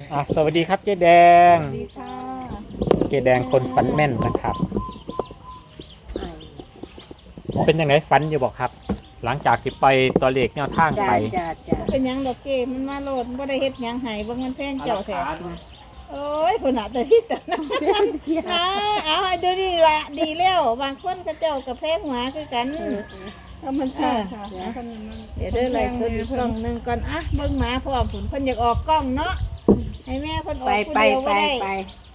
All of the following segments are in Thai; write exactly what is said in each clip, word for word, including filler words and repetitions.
อ่ะสวัสดีครับเจ๊แดงสวัสดีค่ะเจ๊แดงคนฝันแม่นนะครับเป็นยังไงฝันอยู่บอกครับ หลังจากที่ไปตัวเลขแนวทางไปจ้าจ้าเป็นหยังดอกเกมันมาโลดบ่ได้เฮ็ดหยังให้บ่เงินแพงเจ้าแท้โอ้ยพุ่นน่ะแต่ที่ตะนะอ่าเอาให้ดูดีละดีแล้วบางคนก็เจ้าก็แพงหัวคือกันธรรมชาติค่ะเดี๋ยวเด้อไล่สดอีกกล้องหนึงก่อนอ่ะเบิ่งหมาพร้อมผุนเพิ่นอยากออกกล้องเนาะให้แม่เพิ่นออไปกผู้ไปเดียวไปบ่ได้ไป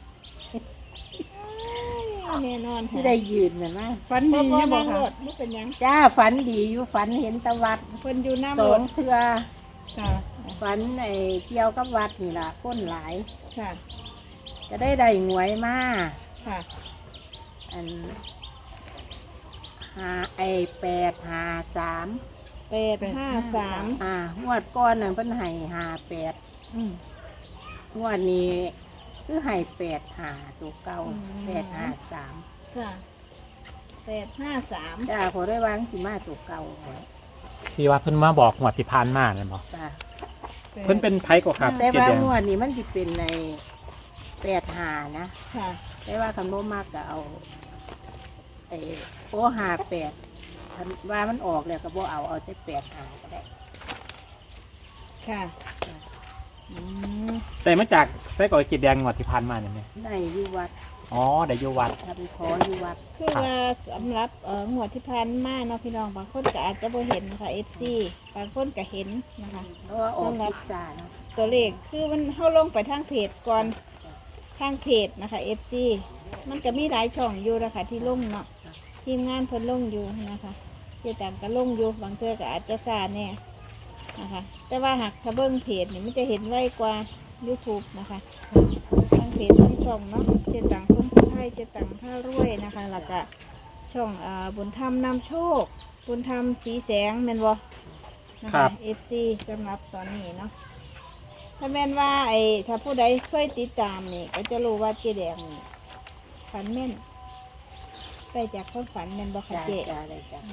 แน่นอนที่ได้ยืนน่ะนะฝันดีอยู่บ่ค่ะบ่เป็นหยังจ้าฝันดีอยู่ฝันเห็นตะวัดเพิ่นอยู่น้ำสรองถเทือค่ะฝันไอ้เกี่ยวกับวัดนี่ล่ะก้นหลายค่ะจะได้ได้หวยมาค่ะอันหาไอ้แปดหาสามแปดห้าสามอ่างวดก้อนน่ะเพิ่นให้หาแปดอืมงวดนี้คือให้แปดหาตัวเก่าอืมแปดหาสามค่ะแปดห้าสามจ้าขอได้วางสิมาตัวเก่าไว้ที่ว่าเพิ่นมาบอกหวดที่พานมาเนี่ยบอกจ้าเพิ่นเป็นไผก็ครับแต่เจ๊ว่าแดงงวดนี้มันจะเป็นในแปดหานะค่ะแต่ว่าคำโน้มากก็เอาไอ้โอหาแปดคันว่ามันออกแล้วก็บ่เอาเอาแต่แปดหาก็ได้ค่ะอืมแต่มาจากไส้กรอกเจ๊แดงหวดที่พานมาเนี่ยไหมในอยู่วัดอ๋อได้อยู่วัดทำขออยู่วัดคือว่าสำหรับเอ่องวดที่ผ่านมาเนาะพี่น้องบางคนก็อาจจะบ่เห็นนะคะ เอฟ ซี บางคนก็เห็นนะคะเพราะว่าออกพิซซ่าเนาะตัวเลขคือมันเข้าลงไปทางเพจก่อนทางเพจนะคะ เอฟ ซี มันก็มีหลายช่องอยู่นะคะที่ลงเนาะทีมงานเพิ่นลงอยู่นะคะเจ๊ต่างก็ลงอยู่บางเทื่อก็อาจจะซาแน่นะคะ แต่ว่าหากถ้าเบิ่งเพจนี่มันจะเห็นไวกว่า YouTube นะคะทางเพจทางช่องเนาะเจ๊ต่างคนไทยเจ๊ต่างท่ารวยนะคะแล้วก็ช่องอ่าบุญธรรมนำโชคบุญธรรมสีแสงแม่นบ่นะคะ เอฟ ซี สำหรับตอนนี้เนาะ ถ้าแม่นว่าไอ้ถ้าผู้ใดเคยติดตามนี่ก็จะรู้ว่าเจ๊แดงนี่ฝันแม่นได้จากความฝันแม่นบ่คะจ้าเจ๊จ้าเลยจ้า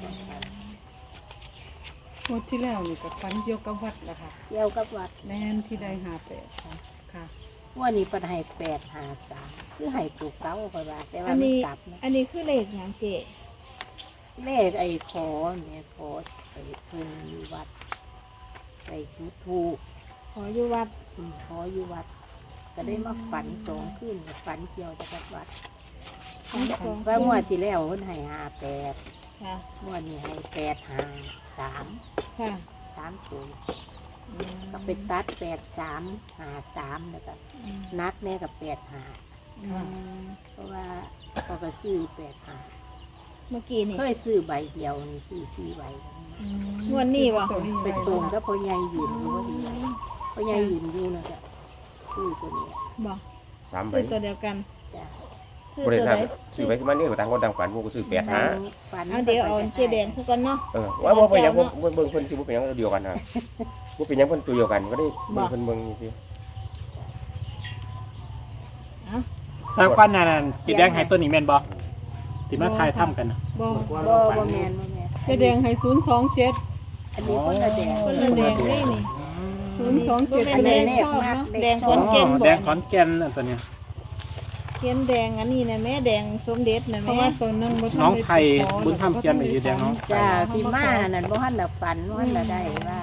งวดที่แล้วนี่ก็ฝันเกี่ยวกับวัดแหละค่ะเกี่ยวกับวัดแม่นที่ได้หาแปดค่ะค่ะงวดนี้เปันให้แปดหาสามคือให้ตัวเก่าก็ว่าแต่อัว่าน มันนี้กลับนะอันนี้คือเลขหยังเจ๊เลขไอ้ขอเนี่ยขอไอ้เพิ่นอยู่วัดไอ้ทุทูกขออยู่วัดอืมขออยู่วัด ก็ได้มาฝันสองขึ้นฝันเกี่ยวกับวัดทั้งสองว่างวดที่แล้วเพิ่นให้หาแปดค่ะงวดนี้ให้แปดหาสามค่ะสามศูนย์อืมก็ไปตัดแปดสามหาสามแล้วก็อืมนัดแม่กับแปดหาอืมเพราะว่าเขาก็ซื้อแปดหาเมื่อกี้นี่เคยซื้อใบเดียวนี่ซื้อสี่ใบอืมงวดนี้บ่เป็นตรงก็พอใหญ่ยืนอยู่พอดีพอใหญ่ยืนอยู่นะจ๊ะซื้อตัวนี้บ่สามใบซื้อตัวเดียวกันจ้ะซื้อบ่ได้ตัวทราใดบซื้อไปที่มันนี่ก็ต่างคนต่างฝันพวกก็ซื้อแปดหาฝันเอาเดี๋ยวเอาเจ๊แดงซะก่อนเนาะเออว่าบ่เป็นหยังบ่บ่เบิ่งเพิ่นสิบ่เป็นหยังตัวเดียวกันนะบ่เป็นหยังเพิ่นตัวเดียวกันก็ได้เบิ่งเพิ่นเบิ่งสิเอาทางฝันนั่นเจ๊แดงให้ตัวนี้แม่นบ่ที่มาทายถ้ำกันน่ะบ่บ่บ่แมนบ่แมนเจะแดงให้ศูนย์สองเจ็ดอันนี้คนละแดงคนละแดงเลยนี่ศูนย์สองบ่เจ็ดแม่นอันแดนี้งชอบเนาะแดงเลขขอนแก่นอ๋อบ่แดงขอนแก่นน่ะตัวเนี้ยเขียนแดงอันนี้นะแม่แดงสมเด็จนะเพราะแม่ว่าตอนนั้นบ่ทัน้องด้ไผ่บุญธรรมเขียนไว้อยู่แดงน้องไผ่จ้าที่มานั่นบ่ทันได้ฝันบ่ทันได้ว่า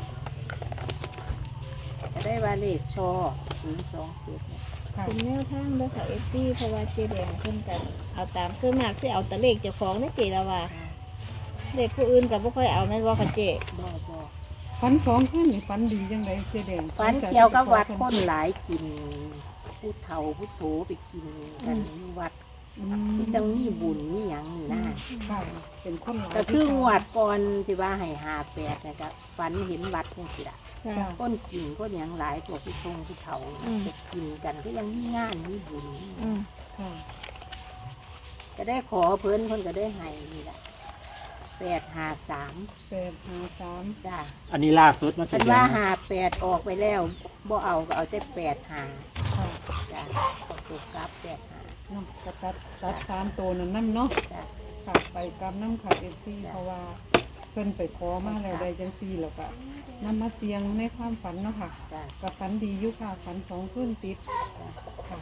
จะได้ว่าเลขชอศูนย์สองเจ็ดเนี่ยค่ะเป็นแนวทางเด้อค่ะ เอฟ ซี เพราะว่าเจแดงเพิ่นกันเอาตามคือมากที่เอาแต่เลขเจ้าของนี่เจละว่าเลขผู้อื่นก็บ่ค่อยเอาแม่นบ่ค่ะเจบ่บ่ฝันสองขึ้นนี่ฝันดีจังไดเจะแดงฝันเกี่ยวกับวัดคนหลายกินผู้เฒ่าผู้โถไปกินกันอยู่วัดอืมที่จังมีบุญมีหยังนี่นะค่ะเป็นคนหลายก็คืองวดก่อนที่ว่าให้หาแปดนะครับฝันเห็นวัดจังซี่ล่ะค่ะคนกินคนหยังหลายพวกผู้ทรงผู้เฒ่าอืมจะกินกันก็ยังมีงานมีบุญอืมค่ะก็ได้ขอเพิ่นเพิ่นก็ได้ให้นี่แหละแปดหาสามแปดห้าสามจ้าอันนี้ล่าสุดเนาะเพิ่เจ๊นแดว่าง หาแปดออกไปแล้วบ่เอาก็เอาแต่แปดหาค่ะจ้าเอาตัวกลับแปดหาเนาะก็ตัดตัดสามตัวนั่นนั่นเนาะจ้าค่ะไปกำน้ำขาเอฟซีเพราะว่าเพิ่นไปขอมาแล้วได้จังซี่แล้วก็นำมาเสียงในความฝันเนาะค่ะจ้ะกับฝันดีอยู่ค่ะฝันสองคืนติดค่ะ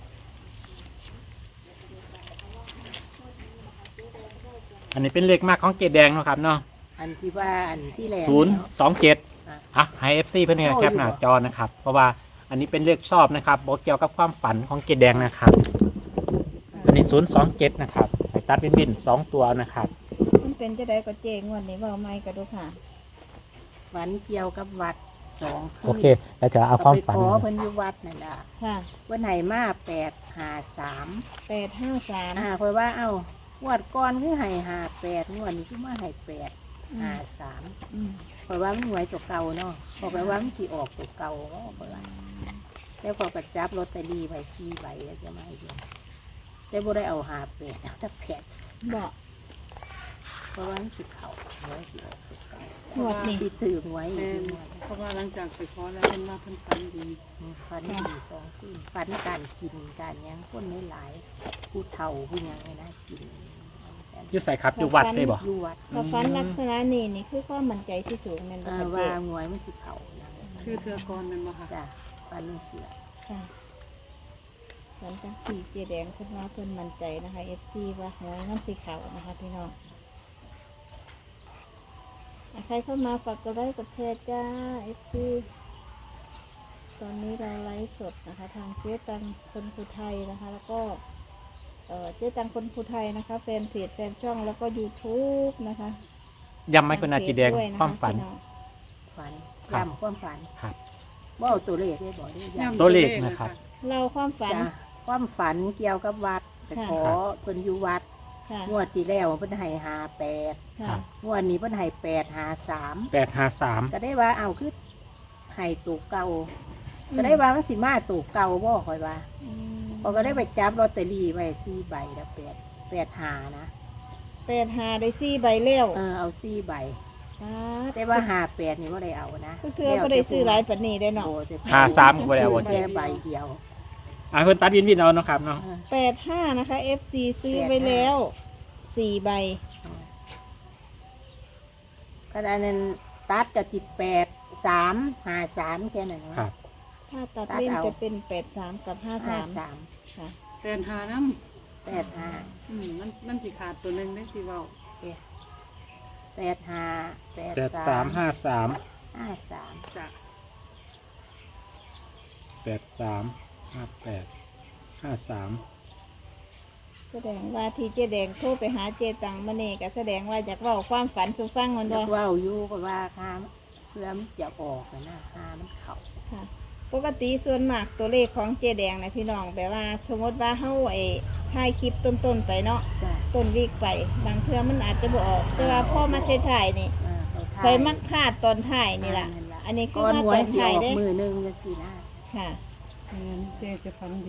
อันนี้เป็นเลขมากของเกดแดงเนาะครับเนาะอันที่ว่าอันที่แรกศูนย์สองเจ็ดอ่ะอ่ะให้เอฟซีเพื่อนเนี่ยแคปหน้าจอนะครับ เพราะว่าอันนี้เป็นเลขชอบนะครับบอกเกี่ยวกับความฝันของเกดแดงนะครับ อันนี้ศูนย์สองเจ็ดนะครับให้ตัดเป็นบินสองตัวนะครับมันเป็นจะได้ก็เจงวันนี้เว่าไม่ก็ดูค่ะฝันเกี่ยวกับวัดสองคืนโอเคเราจะเอาความฝันก็ไปขอเพิ่นอยู่วัดนั่นล่ะค่ะวันไหนมาแปดหาสามแปดห้าสามอ่าคอยว่าเอ้างวดก่อนคือให้หาแปดงวดนี้คือมาให้แปดหาสามอืมคอยว่ามันหวยตัวเก่าเนาะบอกไปว่ามันสิออกตัวเก่าเนาะคอยว่าแล้วพอกระจับลอตเตอรี่ไปสี่ใบแล้วจะมาให้ดูแต่บ่ได้เอาหาแปดเอาแต่แปดบอกเพราะว่ามันสิเขาหวยสิออกตัวเก่าหวดนี่ที่ถือหวยแม่อีกนงวดเพราะว่าหลังจากไปขอแล้วเพิ่นว่าเพิ่นฝันดีฟันดีสองขึ้นฟันการกินการหยังคนไม่หลายผู้เฒ่าผู้หยังไงนะกินอยุใส่ครับอยู่วัดได้บ่อยู่วัดพอฟันลักษณะนี้นี่คือความมั่นใจที่สูงแม่นบ่อ่าค่ะเจว่าหวยมันสิเขานะคือเทือกรแมันบ่ค่ะจ้ะฟันลูกเสือค่ะฟันจังสีเจแดงเพิ่นว่าเพิ่นมั่นใจนะคะ เอฟ ซี ว่าหวยมันสีขาวนะคะพี่น้องอ่ะใครเข้ามาฝากกดไลค์กดแชร์จ้า เอฟ ซี ตอนนี้เราไลฟ์สดนะคะ ทางเจ๊ตังคนภูไทยนะคะ แล้วก็เอ่อเจ๊ตังคนภูไทยนะคะแฟนเพจแฟนช่องแล้วก็ YouTube นะคะย้ำไหมคุณอาจีแดงทเพจด้วยนะคะความฝันพี่องฝันครับย้ำความฝันครับว่าเอาตัวเลขได้บอกได้ย้ำตัวเลขนะครับเราความฝันจ้ะความฝันเกี่ยวกับวัดไปค่ะขอเพิ่นอยู่วัดค่ะงวดที่แล้วเพิ่นให้หาแปดค่ะครับงวดนี้เพิ่นให้แปดหาสามแปดห้าสามก็ได้ว่าเอาคือให้ตัวเก่าก็ได้ว่ามันสิมาตัวเก่าบ่คอยว่าอืมพอก็ได้ไปจับลอตเตอรี่ไว้สี่ใบแล้วแปดแปดหานะแปดหาได้สี่ใบเลี้ยวเออเอาสี่ใบอ่าแต่ว่าหาแปดนี่ว่าได้เอานะก็คือก็ได้ซื้อหลายปันนี้ได้เนาะโอ้แต่ห้าสามก็บ่ได้เอาบ่แค่ใบเดียวอ่ะคุณตัดวินวินเอาเนาะครับเนาะเออแปดห้านะคะ เอฟ ซี ซื้อไปแล้วสี่ใบขณะนั้นตัดกับจิตแปดสามหาสามแค่นั้นครับถ้าตัดเล่นจะเป็นแปดสามกับห้าห้าสามสามค่ะแปดหาน้แปดห้าำอืมมันมันสิขาดตัวหนึงได้สิเว้าแปดห้าแปดแปดสาสามมห้าสามห้าสามจ้ะแปดสามห้าแปดห้าสามแสดงว่าที่เจ๊แดงโทรไปหาเจตังมาเน่ก็แสดงว่าอยากเล่าความฝันสู่ฟังมันแล้บ่วว่าอยู่ก็ว่าค่าเพื่อมันจะออกนะค่ามันเข่าค่ะ ปกติส่วนมากตัวเลขของเจแดงนะพี่น้องแบบว่าสมมติว่าเฮาไอ้ถ่ายคลิปต้นๆไปเนาะจ้ะต้นวีกไป บางเทื่อมันอาจจะบ่ออก แต่ว่าพ่อมาถ่ายๆนี่อ่าเขาเคยมักคาดตอนถ่ายนี่ล่ะ อันนี้คือก้อนว่าหวตยอนสิอถ่ายอกเด้มือหนึงจังซี่นะค่ะแม่นเจ๊จะฝันดี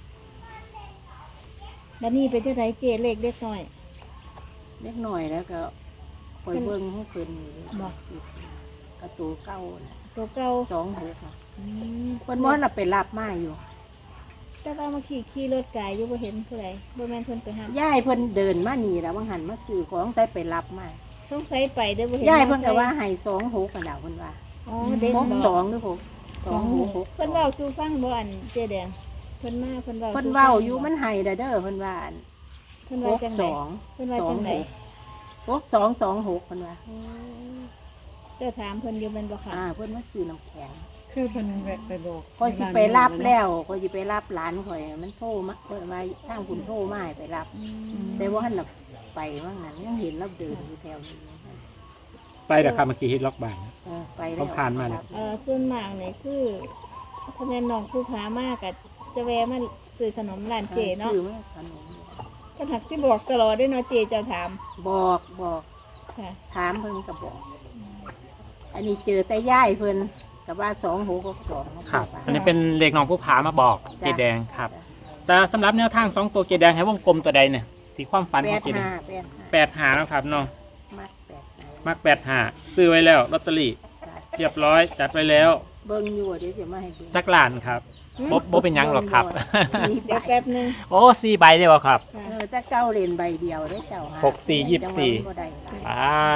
แล้วนี่เป็นจังไดเจเลขเล็กน้อยเล็กหน่อยแล้วก็คอยเบิ่งให้เพิ่นอยู่บ่กระตูเก้าน่ะตัวเก่าสองหกน่ะอืมเพิ่นว่าน่ะไปรับมาอยู่แต่ว่าเมื่อขี่ขี่รถไกายอยู่บ่เห็นผู้ใดบ่แม่นเพิ่นไปหาย่ายเพิ่นเดินมานี่แล้วบางหันมาซื้อของใส่ไปรับมาสงสัยไปเด้อบ่เห็นย่ายเพิ่นมก็อไซค์ว่าให้สองหกกันดาวเพิ่นว่าอ๋อเด็กหกบอกสองหรือหกสองหกหกเพิ่นเว้าสู่ฟังบ่อันเจแดงเพิ่นมาเพิ่นเว้าเพิ่นสู่ฟังเว้าอยู่มันให้เด้อเด้อเพิ่นว่าอันเพิ่นหว่าก จังสไดองเพิ่นว่าสอจังงหไดกหกสองสองหกเพิ่นว่าอ๋อเจ้าถามเพิ่นอยู่แม่นบ่ค่ะอ่าเพิ่นมาซื้อน้ำแข็งคือเพิ่นแวะไปบอกคอยสิไปรับแล้วคอยสิไปรับหลานข่อยมันโทรมาเพิ่นมาทางคุณโทรมาให้ไปรับอืมแต่ว่าหันน่ะไปว่างนั้นยังเห็นเราเดินอยู่แถวนี้ไปแต่ครับเมื่อกี้ฮิตล็อกบานเออไปแล้ผวมผ่านมาแล้วเอ่อส่วนมากนี่คือถ้าแม่นน้องผู้พามากก็จะแวะมาซื้อขนมร้านเจเนาะซื้อมาขนมเพิ่นหักสิบอกตลอดเด้อเนาะเจเจ้าถามบอกบอกค่ะถามเพิ่นก็บอก อันนี้เจอแต่ย่ายเพิ่นกับว่าสองหกหกสองครับ อันนี้เป็นเลขน้องผู้ผามาบอกเกดแดงครับ แต่สำหรับแนวทางสองตัวเกดแดงให้วงกลมตัวใดเนี่ยที่ความฝันแปของดเกดแดห้าง แปดห้าแปดหาแล้วครับเนาะมัดแปดห้ามักแปดหาซื้อไว้แล้วลอตเตอรี่จ้ะเรียบร้อยจัดไว้แล้วเบิ่งอยู่เดี๋ยวจะมาให้เบิ่งจักรลานครับบ่บ่เป็นหยังหรอกครับสี่ใบเดี๋ยวแป๊บหนึงโอ้สี่ใบเลยวะครับค่ะเออถ้าเก้าเหรียญใบเดียวได้เจ้าหาหกสี่ยี่สิบสี่จังหวะมันบ่ได้หลายปาด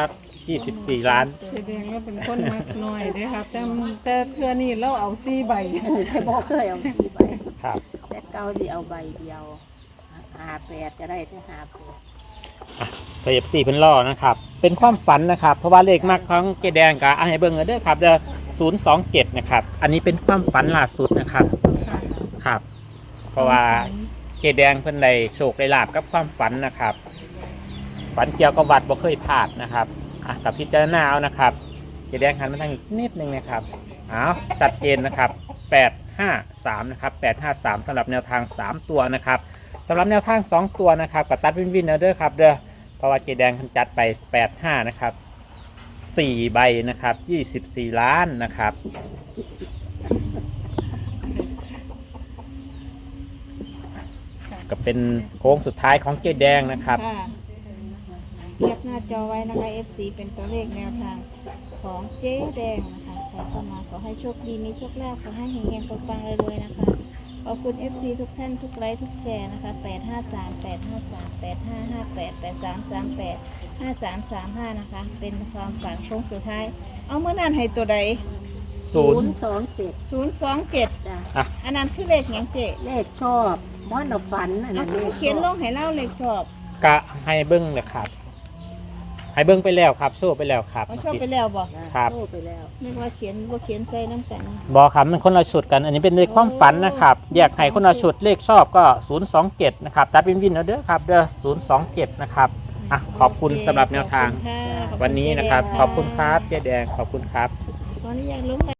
ยี่สิบสี่ล้านแสดงว่าเป็นคนมักน้อยเด้อครับแต่แต่เทื่อนี้เราเอาสี่ใบแต่บ่เคยเอาสี่ใบครับแต่เก่าสิเอาใบเดียวหาแปดก็ได้แต่หาแปดไปเอฟซีเพิ่นล่อนะครับ เป็นความฝันนะครับ เพราะว่าเลขมากของเกแดงกับอ่ะให้เบิ่งกันเด้อครับเด้อศูนย์สองเจ็ดนะครับ อันนี้เป็นความฝันล่าสุดนะครับค่ะครับ เพราะว่าเกแดงเพิ่นได้โชคได้ลาบกับความฝันนะครับ ฝันเกี่ยวกับวัดบ่เคยพลาดนะครับอ่ะกับพิจารณาเอานะครับเกแดงหันมาทางอีกนิดนึงนะครับอ้าวชัดเจนนะครับแปดห้าสามนะครับแปดห้าสามสำหรับแนวทางสามตัวนะครับสำหรับแนวทางสองตัวนะครับกับตัดวินวินเอาเด้อครับเด้อเพราะว่าเจแดงคันจัดไปแปดห้านะครับสี่ใบนะครับยี่สิบสี่ล้านนะครับก็เป็นโค้งสุดท้ายของเจแดงนะครับค่ะเรียกหน้าจอไว้นะคะ เอฟ ซี เป็นตัวเลขแนวทางของเจ๊แดงนะคะใครเข้ามาขอให้โชคดีมีโชคลาภขอให้เฮงๆปังๆรวยๆนะคะขอบคุณ เอฟ ซี ทุกท่านทุกไลค์ทุกแชร์นะคะแปดห้าสาม แปดห้าสาม แปดห้าห้าแปด แปดสามสามแปด ห้าสามสามห้านะคะเป็นความฝันโค้งสุดท้ายเอาเมื่อนั้นให้ตัวใดศูนย์สองเจ็ดศูนย์สองเจ็ดจ้ะอ่ะอันนั้นคือเลขหยังเจ๊เลขชอบบ้านเราฝันอันเอานั้นคือเลขเขียนลงให้เล่าเลขชอบกะให้เบิ้งเลยครับให้เบิ้งไปแล้วครับโซ่ไปแล้วครับเอาชอบไปแล้วบอกครับโทรไปแล้วนึกว่าเขียนว่าเขียนใส่น้ำกันบอกครับมันคนละชุดกัน อันนี้เป็นเลขความฝันนะครับแยกให้คนละชุดเลขชอบก็ศูนย์สองเจ็ดนะครับตัดวินวินเอาเด้อครับเด้อศูนย์สองเจ็ดนะครับอ่ะขอบคุณสำหรับแนวทางขอบคุณค่ะขอบคุณวันนี้นะครับเจ๊แดงขอบคุณครับเจ๊แดงขอบคุณครับตอนนี้อยากลง